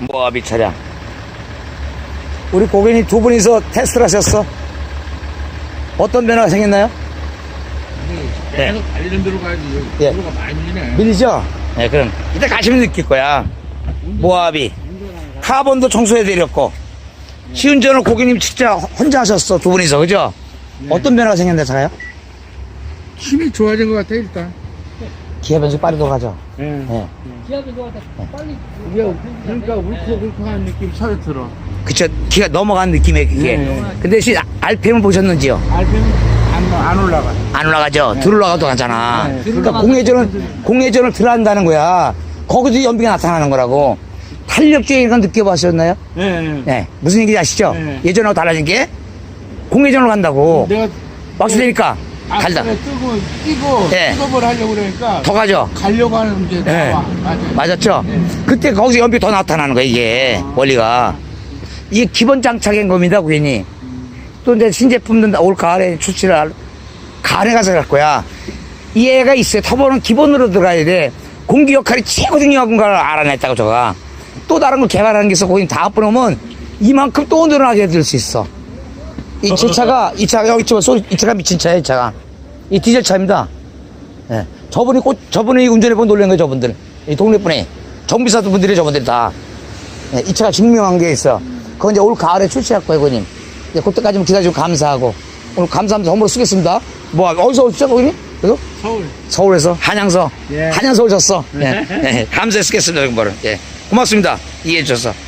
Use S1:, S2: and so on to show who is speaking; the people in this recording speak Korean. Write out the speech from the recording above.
S1: 모하비 차량. 우리 고객님 두 분이서 테스트를 하셨어. 어떤 변화가 생겼나요? 네.
S2: 계속 달리는 대로 가야지.
S1: 예.
S2: 도로가 많이 밀리네.
S1: 밀리죠? 네, 그럼 이따 가시면 느낄 거야. 모하비. 카본도 청소해드렸고. 시운전을 고객님 진짜 혼자 하셨어. 두 분이서, 그죠? 어떤 변화가 생겼나요, 차가요?
S2: 힘이 좋아진 것 같아, 일단.
S1: 기아 변速빨리 돌아가죠?
S2: 예.
S1: 네.
S3: 기압이 좋아서 빨리.
S2: 그러니까 울컥울컥한 느낌 차에 들어.
S1: 그쵸. 기가 넘어간 느낌의 그게.
S2: 네.
S1: 근데 RPM 보셨는지요?
S2: RPM 안 올라가.
S1: 안 올라가죠? 들 올라가도 가잖아.
S2: 네.
S1: 그러니까 공회전을 들어간다는 거야. 거기도 연비가 나타나는 거라고. 탄력적인 건 느껴보셨나요?
S2: 네.
S1: 네. 무슨 얘기인지 아시죠?
S2: 네.
S1: 예전하고 달라진 게 공회전으로 간다고.
S2: 내가
S1: 막스 되니까 달다.
S2: 끼고
S1: 네.
S2: 픽업을 하려고 그러니까
S1: 더 가죠?
S2: 가려고 하는 게
S1: 네.
S2: 나와. 맞아요.
S1: 맞았죠?
S2: 네.
S1: 그때 거기서 연비 더 나타나는 거야, 이게. 원리가. 이게 기본 장착인 겁니다, 고객님. 또 이제 신제품들 올 가을에 가을에 가서 갈 거야. 이해가 있어요. 터보는 기본으로 들어가야 돼. 공기 역할이 최고 중요한 걸 알아냈다고, 저가. 또 다른 걸 개발하는 게 있어. 고객님 다 합해놓으면 이만큼 또 늘어나게 될 수 있어. 이 차가 여기 있지만 이 차가 미친 차야, 이 차가. 이 디젤 차입니다. 예. 저분이 운전해본 놀란 거예요, 저분들. 이 동네 분이. 정비사도 분들이 저분들이 다. 예, 이 차가 증명한 게 있어. 그건 이제 올 가을에 출시할 거예요, 고객님. 예, 그때까지만 기다려주고 감사하고. 오늘 감사합니다. 선물로 쓰겠습니다. 뭐, 어디서 오셨죠, 고객님? 그래서?
S2: 서울.
S1: 서울에서. 한양서.
S2: 예.
S1: 한양서 오셨어. 예. 예. 감사해 쓰겠습니다, 정말은. 예. 고맙습니다. 이해해주셔서.